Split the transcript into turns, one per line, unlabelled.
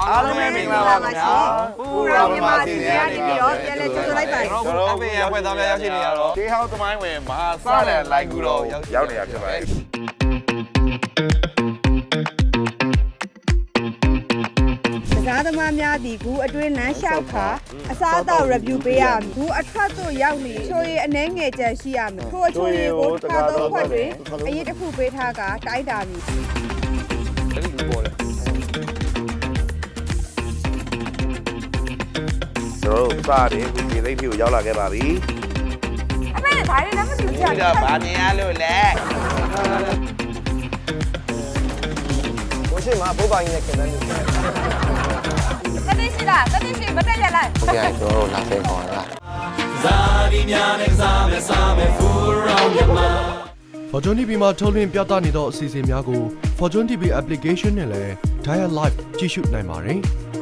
အားလုံးပဲမင်္ဂလာပါခင်ဗျာပူရောမြန်မာစီစဉ်ရနေပြီးတော့ပြန်လဲကြိုဆိုလိုက်ပါတယ်ကျွန်တော်တို့အဖေရဖွဲ့သားများရောက်ရှိနေရတော့တေးဟောင်းသမိုင်းဝင်မဟာစလန်လိုက်ကူတော့ရောက်နေတာဖြစ်ပါတယ်
ကားသမားများသည်ကူအတွင်းလမ်းလျှောက်ခါအစားအသောက် review ပေးရမည်။ကူအထက်သို့ရောက်နေချိုရည်အနှဲငယ်ချန်ရှိရမည်။ထိုအချိုရည်ကိုတစ်ခါသုံးခွက်တွင်အရေးတစ်ခုပေးထားကတိုက်တာမည်။
ကျွန်တော်တို့စားတယ်ဒီလိမ့်ဖြူရောက်လာခဲ့ပါပြီ
အမေဒါလေးလည်းမကြည့်ကြ
ဒီတော့ဗာမြင်ရလို့လဲဘိုးရှိမှာဘိုးပါကြီးနဲ့ခင်ဗျားတို့
။တတိရှိလားတတိရှိမတက်ရလိုက်
ဟုတ်ကဲ့ကျွန်တော်တို့လာတဲ့ခေါ်တာ
Fortune TV မှာထုတ်လွှင့်ပြသနေသောအစီအစဉ်များကို Fortune TV application နဲ့လည်း Dial Live ကြည့်ရှုနိုင်ပါတယ်။